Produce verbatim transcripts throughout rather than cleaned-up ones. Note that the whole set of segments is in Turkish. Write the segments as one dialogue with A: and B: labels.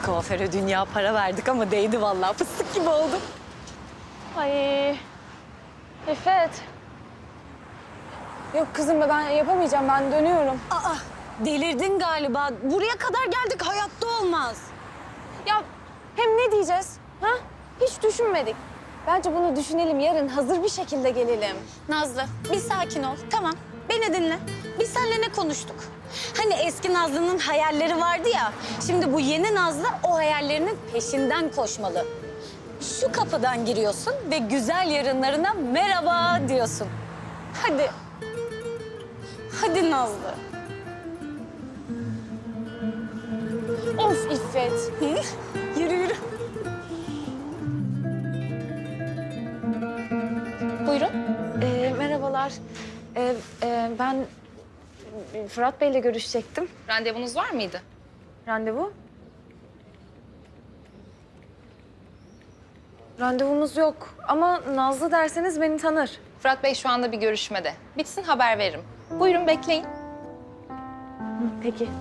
A: Kuaföre dünya para verdik ama değdi vallahi. Fıstık gibi oldum.
B: Ay. İffet. Yok kızım ben yapamayacağım. Ben dönüyorum.
A: Aa, delirdin galiba. Buraya kadar geldik, hayatta olmaz.
B: Ya hem ne diyeceğiz? Ha? Hiç düşünmedik. Bence bunu düşünelim. Yarın hazır bir şekilde gelelim.
A: Nazlı, bir sakin ol. Tamam, beni dinle. Biz seninle ne konuştuk? Hani eski Nazlı'nın hayalleri vardı ya. Şimdi bu yeni Nazlı o hayallerinin peşinden koşmalı. Şu kapıdan giriyorsun ve güzel yarınlarına merhaba diyorsun. Hadi. Hadi Nazlı.
B: Of İffet.
A: Hı? Yürü yürü.
B: Buyurun. Ee, merhabalar. Ee, e, ben Fırat Bey'le görüşecektim.
C: Randevunuz var mıydı?
B: Randevu? Randevumuz yok ama Nazlı derseniz beni tanır.
C: Fırat Bey şu anda bir görüşmede. Bitsin haber veririm. Buyurun bekleyin.
B: Peki.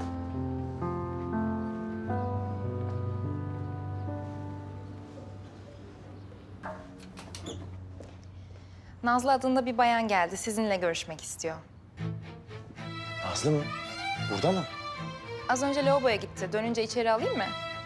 C: Nazlı adında bir bayan geldi. Sizinle görüşmek istiyor.
D: Nazlı mı? Burada mı?
C: Az önce lavaboya gitti. Dönünce içeri alayım mı?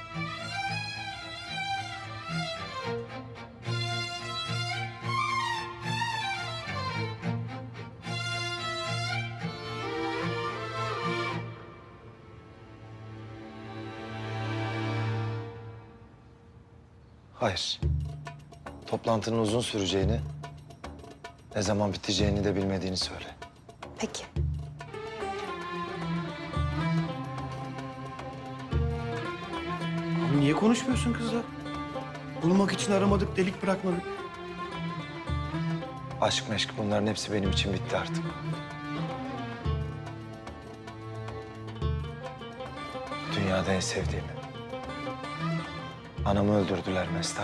D: Hayır. Toplantının uzun süreceğini, ne zaman biteceğini de bilmediğini söyle.
C: Peki.
E: Abi niye konuşmuyorsun kızla? Bulmak için aramadık, delik bırakmadık.
D: Aşk meşk bunların hepsi benim için bitti artık. Dünyada en sevdiğimi. Anamı öldürdüler Mestan.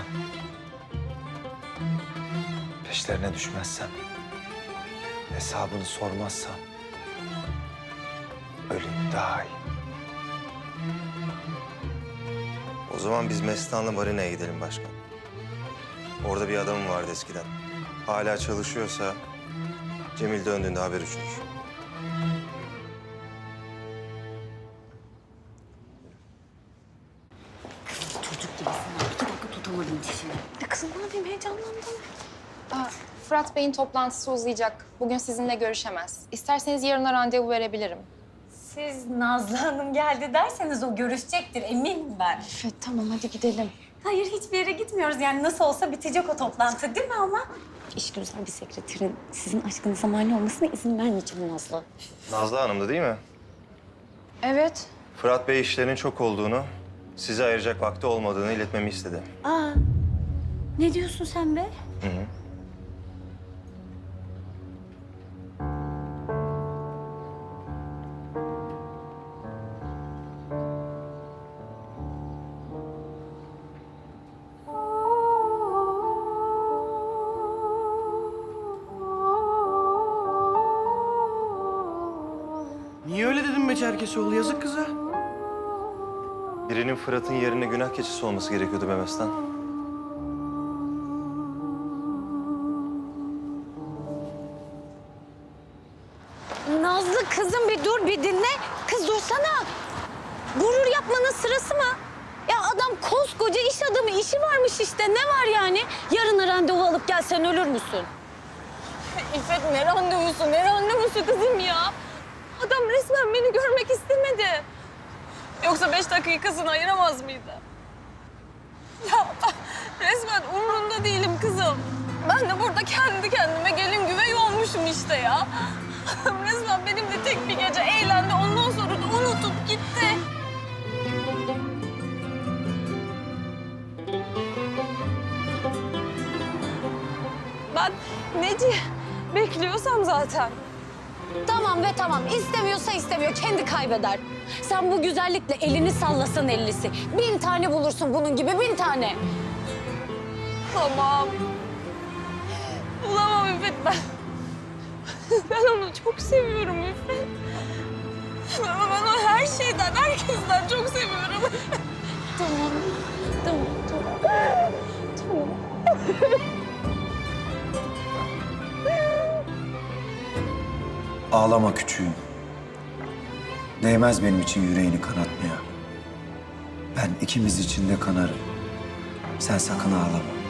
D: Peşlerine düşmezsem, hesabını sormazsam öleyim daha iyi.
F: O zaman biz Mestan'la marinaya gidelim başkan. Orada bir adamım vardı eskiden. Hala çalışıyorsa Cemil döndüğünde haber uçurur.
A: Çocuk gibisin ha. İki dakika tutamadın dişini.
B: Ya kızım ne yapayım heyecanlandım.
C: Aa, Fırat Bey'in toplantısı uzayacak. Bugün sizinle görüşemez. İsterseniz yarına randevu verebilirim.
A: Siz Nazlı Hanım geldi derseniz o görüşecektir, eminim ben.
B: İffet tamam hadi gidelim.
A: Hayır, hiçbir yere gitmiyoruz. Yani nasıl olsa bitecek o toplantı değil mi ama?
G: İşgüzar bir sekreterin sizin aşkınıza mani olmasına izin vermeyeceğim Nazlı.
F: Nazlı Hanım'dı değil mi?
B: Evet.
F: Fırat Bey işlerinin çok olduğunu, size ayıracak vakti olmadığını iletmemi istedi.
G: Aa, ne diyorsun sen be?
F: Hı hı.
E: Niye öyle dedin be Çerkesoğlu? Yazık kıza.
F: Birinin Fırat'ın yerine günah keçisi olması gerekiyordu be Mestan.
A: Nazlı kızım bir dur, bir dinle. Kız dursana. Gurur yapmanın sırası mı? Ya adam koskoca iş adamı, işi varmış işte. Ne var yani? Yarına randevu alıp gelsen ölür müsün?
B: İffet ne randevusu, ne randevusu kızım ya? Adam resmen beni görmek istemedi. Yoksa beş dakikasını ayıramaz mıydı? Ya resmen umrunda değilim kızım. Ben de burada kendi kendime gelin güvey olmuşum işte ya. Adam resmen benimle tek bir gece eğlendi. Ondan sonra da unutup gitti. Ben neci bekliyorsam zaten.
A: Tamam ve tamam. İstemiyorsa istemiyor. Kendi kaybeder. Sen bu güzellikle elini sallasan ellisi. Bin tane bulursun bunun gibi, bin tane.
B: Tamam. Bulamam İffet ben. Ben onu çok seviyorum İffet. Ben onu her şeyden, herkesten çok seviyorum.
A: Tamam
H: Ağlama küçüğüm. Değmez benim için yüreğini kanatmaya. Ben ikimiz için de kanarım. Sen sakın ağlama.